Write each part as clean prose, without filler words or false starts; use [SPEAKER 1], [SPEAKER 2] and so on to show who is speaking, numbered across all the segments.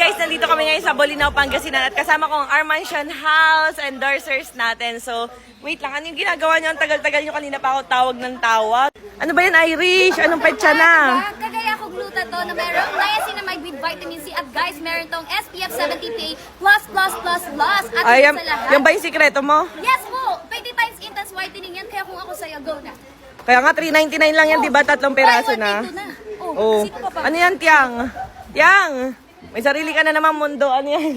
[SPEAKER 1] guys, nandito kami ngayon sa Bolinao, Pangasinan at kasama ko ang Armansion House endorsers natin. So, wait lang, ano yung ginagawa niyo? Ang tagal-tagal niyo, kanina pa ako tawag ng tawag. Ano ba yan, Irish? Anong petsa na?
[SPEAKER 2] Kagaya ko glutathione na mayroong niacinamide with vitamin C at guys, meron tong SPF 70 PA++++. At
[SPEAKER 1] Ay,
[SPEAKER 2] sa lahat.
[SPEAKER 1] yan ba yung sikreto mo?
[SPEAKER 2] Yes po! 20 times intense whitening yan, kaya kung ako sa'yo, go na.
[SPEAKER 1] Kaya nga, 399 lang yan, di ba? 3 peraso na.
[SPEAKER 2] Oh, sino pa pa?
[SPEAKER 1] Ano yan, Tiang? Tiang! May sarili ka na naman mundo. Ano yan?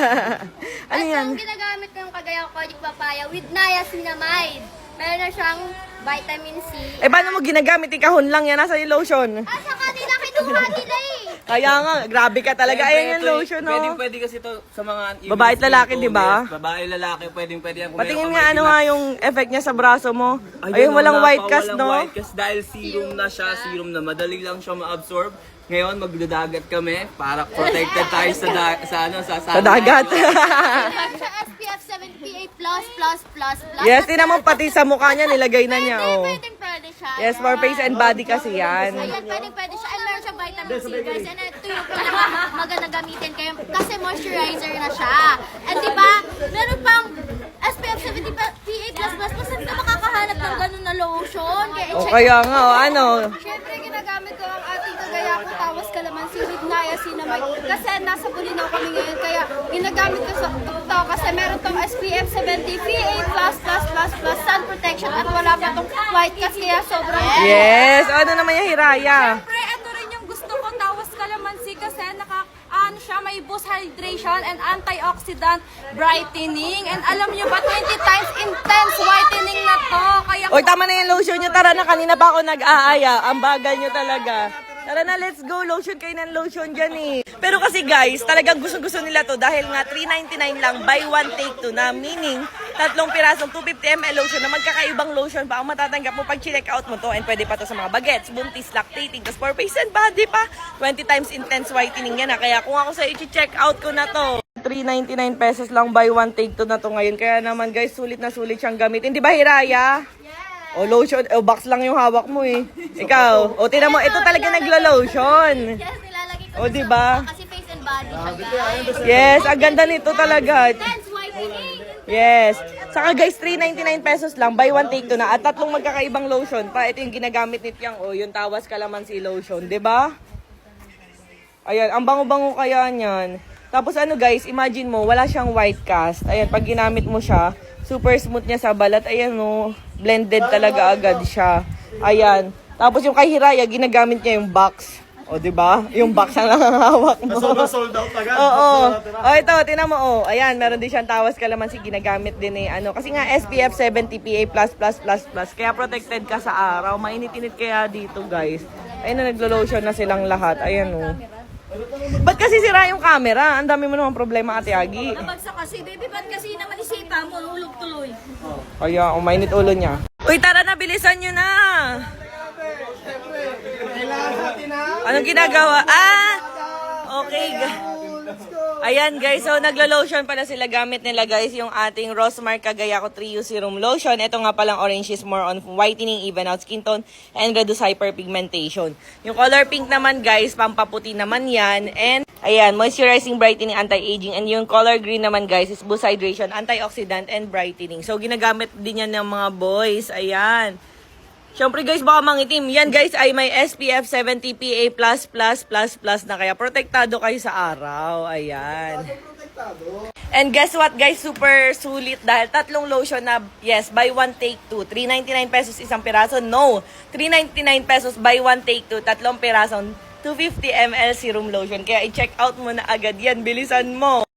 [SPEAKER 1] Ano yan?
[SPEAKER 2] At ang ginagamit ko yung kagaya ko Kojic Papaya with niacinamide. Meron na siyang vitamin C.
[SPEAKER 1] Eh, paano mo ginagamit? Ikahon lang yan. Nasa yung lotion.
[SPEAKER 2] Ah, sa kanila, kinuha nila eh.
[SPEAKER 1] Kaya nga, grabe ka talaga. Ayan yung lotion, no?
[SPEAKER 3] Pwede kasi to sa mga...
[SPEAKER 1] Babae at lalaki, di ba?
[SPEAKER 3] Babae, lalaki, pwede yan. Kung
[SPEAKER 1] Patingin
[SPEAKER 3] meron
[SPEAKER 1] nga
[SPEAKER 3] ka
[SPEAKER 1] ano
[SPEAKER 3] may
[SPEAKER 1] nga yung effect niya sa braso mo. Ayun,
[SPEAKER 3] Ayun,
[SPEAKER 1] walang
[SPEAKER 3] wala
[SPEAKER 1] white
[SPEAKER 3] pa,
[SPEAKER 1] cast,
[SPEAKER 3] walang
[SPEAKER 1] no?
[SPEAKER 3] white cast dahil serum na siya, serum na. Madali lang siya ma-absorb. Ngayon, magdadagat kami para protected tayo sa
[SPEAKER 1] dagat.
[SPEAKER 2] Meron siya SPF 70 PA++++.
[SPEAKER 1] Yes, tinan mo pati sa mukha niya, nilagay na niya, oh.
[SPEAKER 2] Pwede siya.
[SPEAKER 1] Yes, for face and body kasi yan.
[SPEAKER 2] Ayan, pwede siya. And meron siyang vitamin C, guys. And ito yung maganda gamitin kayo kasi moisturizer na siya. And di ba, meron pang SPF 70 PA+++. Saan ka makakahanap ng ganun na lotion? Kaya
[SPEAKER 1] O
[SPEAKER 2] i-check.
[SPEAKER 1] kaya nga, oh, ano?
[SPEAKER 2] Siyempre, ginagamit ko ang ating kagaya ko tawas kalamansi with niacinamide. Kasi nasa Bolinao kami ngayon. Kaya ginagamit ko sa to kasi meron tong SPF 70 PA++++ sun protection at wala pa tong white cast kaya sobrang
[SPEAKER 1] Yes, ano naman yung Hiraya?
[SPEAKER 4] Siyempre, ito rin yung gusto ko, tawas kalamansi kasi ano siya, may boost hydration and antioxidant brightening. And alam niyo ba, 20 times intense whitening na to. Kaya
[SPEAKER 1] Oy, tama na yung lotion nyo. Tara na, kanina pa ako nag-aaya. Ang bagal nyo talaga. Tara na, let's go. Lotion kayo ng lotion dyan eh. Pero kasi guys, talagang gusto-gusto nila to dahil nga 399 lang, buy one take two na. Meaning, 3 pirasong 250 ml lotion na magkakaibang lotion pa ang matatanggap mo pag check out mo to. And pwede pa to sa mga bagets, buntis, lactating, tapos for face and body pa. 20 times intense whitening yan. Kaya kung ako sa i-check out ko na to, 399 pesos lang buy one take two na to ngayon. Kaya naman guys, sulit na sulit siyang gamitin. Di ba, Hiraya? O lotion, o box lang yung hawak mo eh. Ikaw, o tinan mo, ito talaga naglo-lotion.
[SPEAKER 2] yes, nilalagay ko
[SPEAKER 1] O, diba?
[SPEAKER 2] kasi face and body siya, guys.
[SPEAKER 1] Yes, ang ganda nito talaga.
[SPEAKER 2] Intense whitening.
[SPEAKER 1] Yes. Saka guys, 399 pesos lang, buy one take two na. At 3 magkakaibang lotion pa. Ito yung ginagamit ni Tiang, o yung tawas kalamansi lotion, di ba? Ayan, ang bango-bango kaya niyan. Tapos ano guys, imagine mo, wala siyang white cast. Ayan, pag ginamit mo siya, super smooth niya sa balat. Ayan o, blended talaga agad siya. Ayan. Tapos yung kay Hiraya, ginagamit niya yung box. O, di ba? Yung box ang nakahawak mo.
[SPEAKER 5] Sold out agad.
[SPEAKER 1] Oo. O, ito, tinan mo, oh. Ayan, meron din siyang tawas kalamansi, ginagamit din eh. Ano, kasi nga SPF 70 PA+++++. Kaya protected ka sa araw. Mainit-init kaya dito, guys. Ayun na, naglo-lotion na silang lahat. Ayan, oh. Ba't kasi sira yung camera? Ang dami mo naman problema, Ate Agi.
[SPEAKER 4] nabagsak kasi, baby, ba't kasi naman isipa mo, ulog tuloy.
[SPEAKER 1] Kaya, umainit ulo niya. Uy, tara na, bilisan nyo na! Anong ginagawa? Ah! Okay. Ayan guys, so naglo-lotion pala sila, gamit nila guys yung ating Rosmar Cagayaco Trio Serum Lotion. Ito nga palang orange is more on whitening, even out skin tone, and reduce hyperpigmentation. Yung color pink naman guys, pampaputi naman yan. And ayan, moisturizing, brightening, anti-aging. And yung color green naman guys is boost hydration, antioxidant, and brightening. So ginagamit din yan ng mga boys. Ayan. Siyempre guys, baka mangitim. Yan guys ay may SPF 70 PA++++ na, kaya protektado kayo sa araw. Ayan. And guess what guys, super sulit dahil 3 lotion na, yes, buy one take two. 399 pesos isang piraso. No, 399 pesos buy one take two. 3 pirasong 250 ml serum lotion. Kaya i-check out mo na agad yan. Bilisan mo.